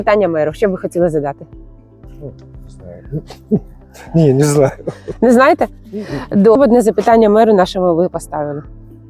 Питання меру, що б ви хотіли задати? Ні, не знаю. Не знаєте? Одне запитання меру нашому ви поставили.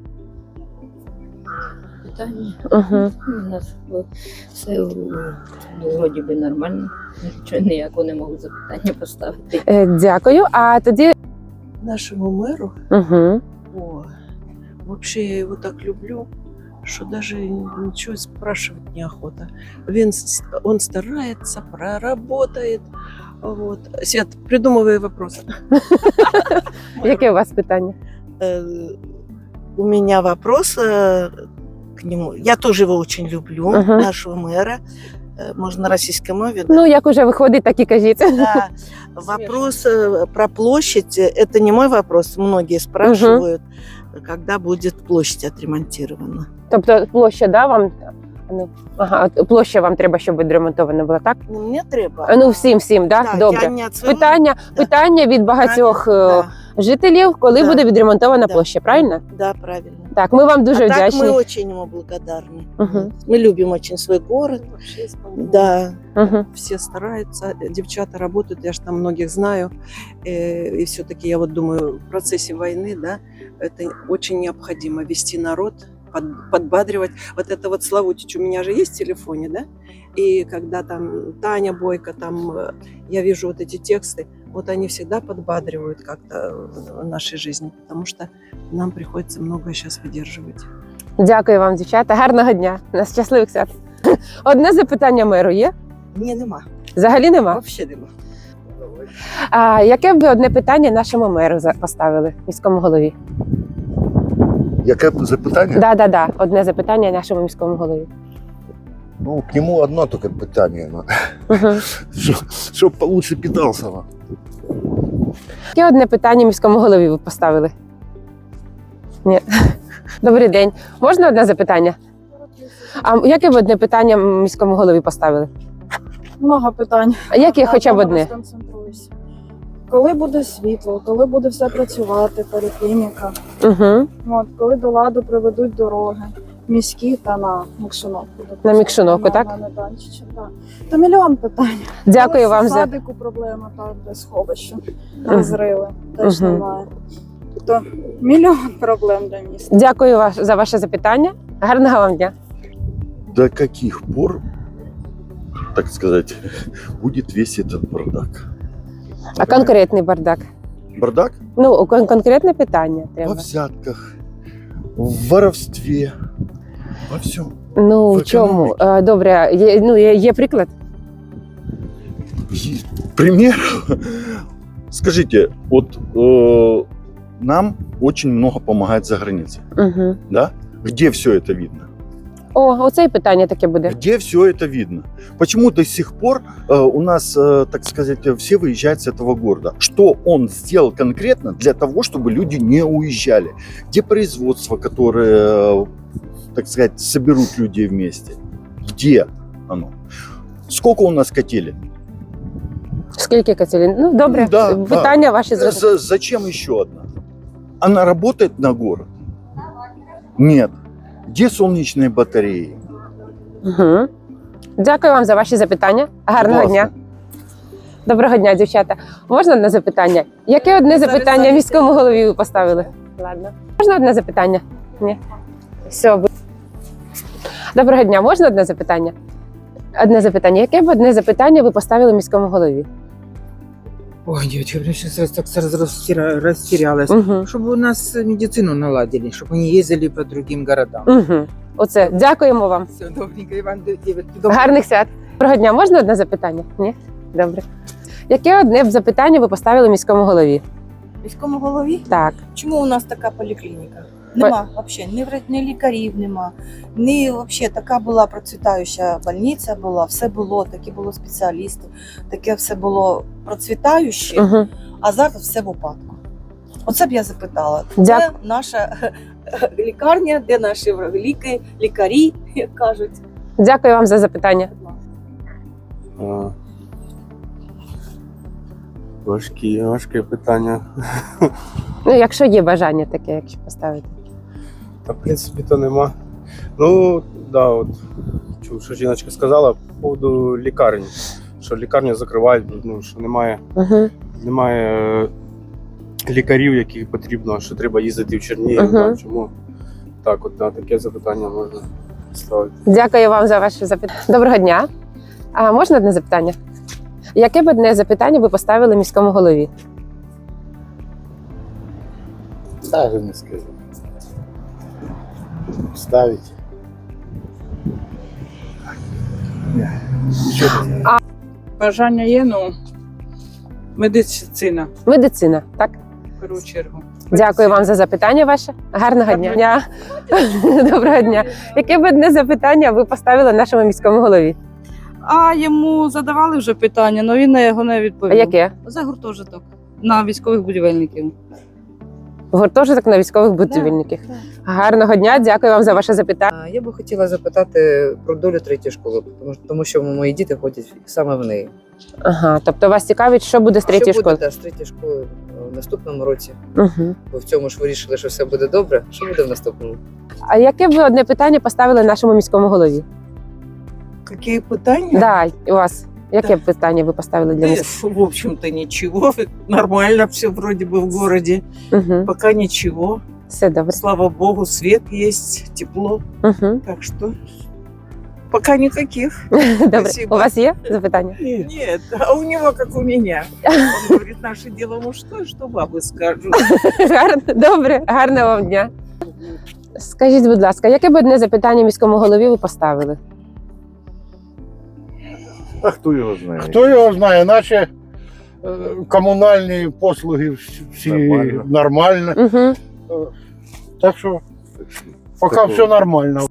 Питання. Угу. У нас все вроді би нормально. Нічого ніякого не можу запитання поставити. Дякую. А тоді. Нашему мэру, Угу. вообще я его так люблю, что даже ничего спрашивать неохота. Он старается, проработает. Вот. Свет, придумывай вопрос. Яке у вас питання? У меня вопрос к нему. Я тоже его очень люблю, нашего мэра. Можно на российской мове. Ну, як уже виходить, так і кажіть. Да. Вопрос про площадь, это не мой вопрос. Многие спрашивают, когда будет площадь отремонтирована. Тобто площа, да, вам? Ну, ага, площа вам треба, щоб відремонтована була, так? Ну, мне треба. Ну, всім, да? Да, Добре. я не от своего- Питання від багатьох Да, жителів, коли Да. буде відремонтована Да. площа, правильно? да, правильно. Так, ми вам дуже а так вдячні. мы очень ему благодарны. Мгм. Мы любим очень свой город. Да. Угу. Все стараются, девчата работают, я же там многих знаю, и все-таки я вот думаю, в процессе войны, да, это очень необходимо вести народ, подбадривать. Вот это вот Славутич у меня же есть в телефоне, да, и когда там Таня Бойко, там я вижу вот эти тексты, вот они всегда подбадривают как-то в нашей жизни, потому что нам приходится многое сейчас выдерживать. Дякую вам, дівчата. Гарного дня. Нас щасливих свят. Одне запитання меру є? Ні, нема. Взагалі нема? Взагалі нема. А яке б ви одне питання нашому меру поставили, міському голові? Яке запитання? Да. Одне запитання нашому міському голові. Ну, к нему одно только питание. Угу. Чтоб получше питался. Яке одне питання міському голові ви поставили? Ні. Добрий день. Можна одне запитання? А яке б одне питання міському голові поставили? Много питань. А яке хоча б одне? Сконцентруюся. Коли буде світло, коли буде все працювати, поліклініка, Угу. коли до ладу приведуть дороги, міські та на Мікшуновку. На Мікшуновку, так? На Майданчича, так. То мільйон питань. Дякую Але вам в за. садику проблема, так, де сховище, розрили, теж Мгм. немає. Тобто мільйон проблем для міста. Дякую за ваше запитання. Гарного вам дня. До каких пор, так сказать, будет весь этот бардак? А конкретний бардак? Бардак? Ну, конкретне питання Во треба. взятках, в воровстве, во всем. Ну, в в чому? економіці. Добре, є приклад? Пример? Скажите, вот нам очень много помогает за границей, Угу. да? Где все это видно? О, оце і питання таке буде. Где все это видно? Почему до сих пор у нас, так сказать, все выезжают с этого города? Что он сделал конкретно для того, чтобы люди не уезжали? Где производство, которое, так сказать, соберут людей вместе? Где оно? Сколько у нас котелей? Скільки котелень? Ну, добре, Да, питання ваші зрозуміли. Зачем еще одна? Она работает на город? Нет. Где солнечные батареи? Угу. Дякую вам за ваші запитання. Гарного Будь ласка. дня. Доброго дня, дівчата. Можна одне запитання? Яке одне запитання міському голові ви поставили? Ладно. Можна одне запитання? Ні. Все. Доброго дня. Можна одне запитання? Одне запитання. Яке б одне запитання ви поставили міському голові? Ой, девочка, я сейчас так сразу растерялась. Угу. Чтобы у нас медицину наладили, чтобы они ездили по другим городам. Угу. Оце. Дякуємо вам. Все, добренько, Иван, девочки, Гарних свят. Доброго дня. Можна одне запитання? Ні? Добре. Яке одне б запитання ви поставили міському голові? Міському голові? Так. Чому у нас така поліклініка? Нема взагалі, ні лікарів нема, ні взагалі така була процвітаюча больниця була, все було, такі були спеціалісти, таке все було процвітаюче, Угу. а зараз все в упадку. Оце б я запитала, Дя- де наша лікарня, де наші лікарі, як кажуть. Дякую вам за запитання. Важке питання. Ну, якщо є бажання таке, якщо поставити. Та в принципі то нема. Ну, да, от почув, що жіночка сказала по поводу лікарні. Що лікарню закривають, ну, що немає лікарів, яких потрібно, що треба їздити в Чернігів. Так, чому? Так, от на таке запитання можна ставити. Дякую вам за ваше запитання. Доброго дня. А можна одне запитання? Яке б одне запитання ви поставили міському голові? Даже не скажу. Ставить. Бажання є, ну, медицина, Медицина, так? в першу чергу. Дякую вам за запитання ваше. Гарного дня. Доброго дня. Яке б одне запитання ви поставили нашому міському голові? А йому задавали вже питання, але він на його не А відповів. яке? За гуртожиток на військових будівельників. Гуртожиток на військових будівельників. Гарного дня, дякую вам за ваше запитання. Я би хотіла запитати про долю третьої школи, тому що мої діти ходять саме в неї. Ага, тобто вас цікавить, що буде з третьої Що школи? буде з третьої школи в наступному році? Угу. Бо в цьому ж вирішили, що все буде добре. Що буде в наступному? А яке б ви одне питання поставили нашому міському голові? Какие пытания? Да, у вас. Яке б питання ви поставили для міського? В общем-то, ничего. Нормально все вроде бы в городе. Угу. Пока ничего. Все добре. Слава богу, свет есть, тепло. Угу. Так что пока никаких. Добре. Спасибо. У вас є запитання? Нет, а у него как у меня. Он говорит, наше дело мужское, что бабы скажут. Гарно, добре, гарного вам дня. Скажіть, будь ласка, яке б одне запитання міському голові ви поставили? А хто його знає? Хто його знає, наче комунальні послуги всі Нормально. нормально. Угу. Так що поки Такого. все нормально.